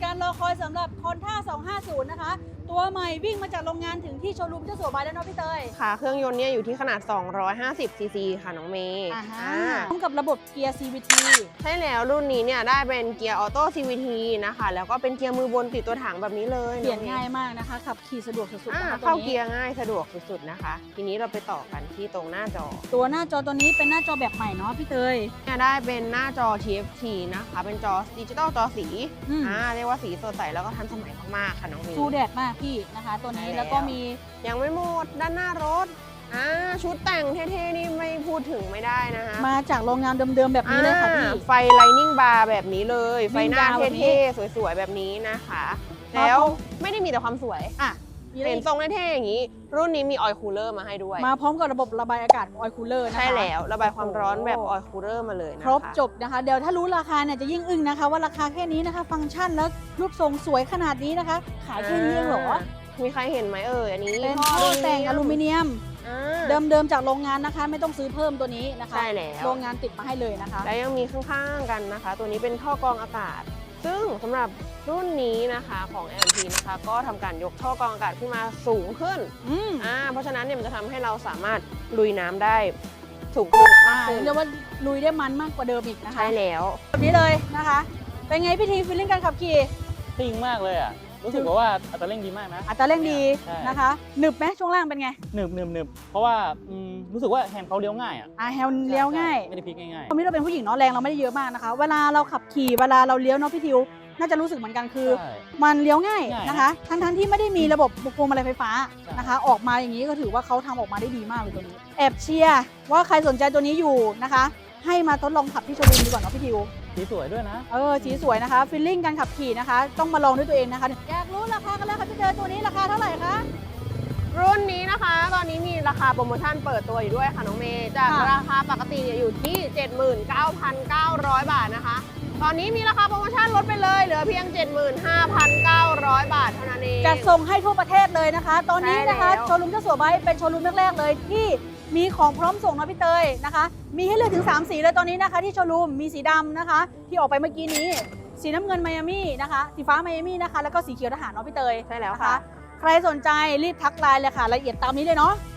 การรอคอยสำหรับคอนท่า250นะคะตัวใหม่วิ่งมาจากโรงงานถึงที่โชว์รูมเจ้าสัวบายแล้วเนาะพี่เตยค่ะเครื่องยนต์เนี่ยอยู่ที่ขนาด250ซีซีค่ะน้องเมย์พร้อมกับระบบเกียร์ CVT ใช่แล้วรุ่นนี้เนี่ยได้เป็นเกียร์ออโต้ CVT นะคะแล้วก็เป็นเกียร์มือบนติดตัวถังแบบนี้เลยเปลี่ยนง่ายมากนะคะขับขี่สะดวกสุดๆนะคะเข้าเกียร์ง่ายสะดวกสุดๆนะคะทีนี้เราไปต่อกันที่ตรงหน้าจอตัวหน้าจอตัวนี้เป็นหน้าจอแบบใหม่เนาะพี่เตยเนี่ยได้เป็นหน้าจอ TFT นะคะเป็นจอดิจิตอลจอสีเรียกว่าสีสดใสแล้วก็ทันสมัยมากๆค่ะน้องเมย์สู้แดดมากพี่นะคะตัวนี้แล้วก็มียังไม่หมดด้านหน้ารถชุดแต่งเท่ๆนี่ไม่พูดถึงไม่ได้นะคะมาจากโรงงานเดิมๆแบบนี้เลยค่ะพี่ไฟไลนิ่งบาร์แบบนี้เลยไฟหน้าเท่ๆสวยๆแบบนี้นะคะแล้วไม่ได้มีแต่ความสวยเห็นทรงเท่ๆอย่างนี้รุ่นนี้มีออยล์คูลเลอร์มาให้ด้วยมาพร้อมกับระบบระบายอากาศออยล์คูลเลอร์นะคะใช่แล้วระบายความร้อนแบบออยล์คูลเลอร์มาเลยนะคะครบจบนะคะเดี๋ยวถ้ารู้ราคาเนี่ยจะยิ่งอึ้งนะคะว่าราคาแค่นี้นะคะฟังก์ชันแล้วรูปทรงสวยขนาดนี้นะคะขายแค่นี้เองเหรอมีใครเห็นไหมอันนี้เป็นท่อแต่งอลูมิเนียมเดิมๆจากโรงงานนะคะไม่ต้องซื้อเพิ่มตัวนี้นะคะใช่แล้วโรงงานติดมาให้เลยนะคะแล้วยังมีข้างๆกันนะคะตัวนี้เป็นท่อกรองอากาศซึ่งสำหรับรุ่นนี้นะคะของ LMP นะคะก็ทำการยกท่อกรองอากาศขึ้นมาสูงขึ้นเพราะฉะนั้นเนี่ยมันจะทำให้เราสามารถลุยน้ำได้สูงขึ้นมากขึ้นเรียกว่าลุยได้มันมากกว่าเดิมอีกนะคะใช่แล้วแบบนี้เลยนะคะเป็นไงพี่ทีฟีลลิ่งการขับขี่ซิ่งมากเลยรู้สึกว่าอัตราเร่งดีมากนะอัตราเร่งดีนะคะหนึบไหมช่วงล่างเป็นไงหนึบเพราะว่ารู้สึกว่าแฮนด์เขาเลี้ยวง่ายแฮนด์เลี้ยวง่ายไม่ได้พลิกง่ายตอนนี้เราเป็นผู้หญิงเนาะแรงเราไม่ได้เยอะมากนะคะเวลาเราขับขี่เวลาเราเลี้ยวเนาะพี่ทิวน่าจะรู้สึกเหมือนกันคือมันเลี้ยวง่ายนะคะทั้งที่ไม่ได้มีระบบพวงมาลัยไฟฟ้านะคะออกมาอย่างนี้ก็ถือว่าเขาทำออกมาได้ดีมากเลยตัวนี้แอบเชียร์ว่าใครสนใจตัวนี้อยู่นะคะให้มาทดลองขับที่โชว์รูมดีกว่าเนาะพี่ทิวสีสวยด้วยนะสีสวยนะคะฟีลลิ่งการขับขี่นะคะต้องมาลองด้วยตัวเองนะคะอยากรู้ราคากันแล้วค่ะพี่เจอตัวนี้ราคาเท่าไหร่คะรุ่นนี้นะคะตอนนี้มีราคาโปรโมชั่นเปิดตัวอยู่ด้วยค่ะน้องเมย์จากราคาปกติอยู่ที่ 79,900 บาทนะคะตอนนี้มีราคาโปรโมชั่นลดไปเลยเหลือเพียง 75,900 บาทเท่านั้นเองจัดส่งให้ทั่วประเทศเลยนะคะตอนนี้นะคะโชว์รูมเจ้าสัวไบค์เป็นโชว์รูมแรกๆเลยที่มีของพร้อมส่งนะพี่เตยนะคะมีให้เลือกถึง3สีเลยตอนนี้นะคะที่โชว์รูมมีสีดำนะคะที่ออกไปเมื่อกี้นี้สีน้ำเงินไมอามี่นะคะสีฟ้าไมอามี่นะคะแล้วก็สีเขียวทหารเนาะพี่เตยใช่แล้วค่ะใครสนใจรีบทักไลน์เลยค่ะรายละเอียดตามนี้เลยเนาะ